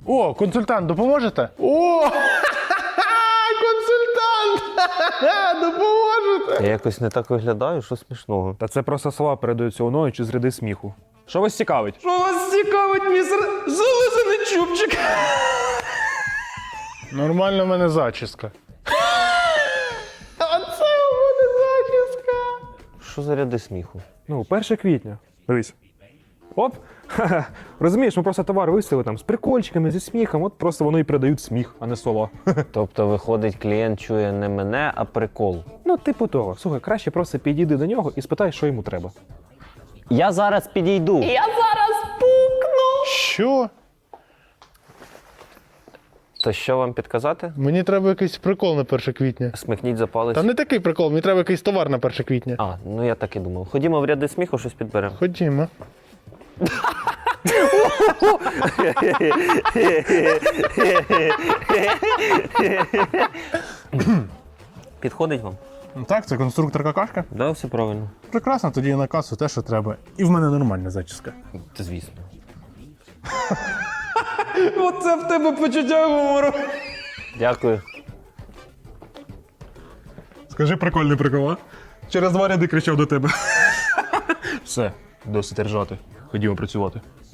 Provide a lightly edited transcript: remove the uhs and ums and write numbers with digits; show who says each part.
Speaker 1: О, консультант, допоможете? О! Консультант! Допоможете!
Speaker 2: Я якось не так виглядаю, що смішного.
Speaker 3: Та це просто слова передаються уною чи з ряди сміху. Що вас цікавить?
Speaker 4: Що вас цікавить, містер зализаний чубчик?
Speaker 1: Нормально в мене зачіска. Оце у мене зачіска!
Speaker 2: Що за ряди сміху?
Speaker 3: Ну, 1 квітня. Дивись. Оп! Ха-ха. Розумієш, ми просто товар виставили там з прикольчиками, зі сміхом, от просто воно і передають сміх, а не слова.
Speaker 2: Тобто, виходить, клієнт чує не мене, а прикол.
Speaker 3: Ну, типу того. Слухай, краще просто підійди до нього і спитай, що йому треба.
Speaker 2: Я зараз підійду.
Speaker 1: Що?
Speaker 2: То що вам підказати?
Speaker 1: Мені треба якийсь прикол на 1 квітня.
Speaker 2: Смикніть за палець.
Speaker 1: Та не такий прикол, мені треба якийсь товар на 1 квітня.
Speaker 2: А, ну я так і думав. Ходімо в ряди сміху, щось підберемо.
Speaker 1: Ходімо.
Speaker 2: Підходить вам?
Speaker 1: Ну так, це конструктор какашка.
Speaker 2: Да, все правильно.
Speaker 1: Прекрасно, тоді на касу те, що треба. І в мене нормальна зачіска.
Speaker 2: Це звісно.
Speaker 4: Оце в тебе почуття гумору.
Speaker 2: Дякую.
Speaker 1: Скажи прикольний прикол, а? Через 2 ряди кричав до тебе. Все, досить ржати. Ходімо працювати.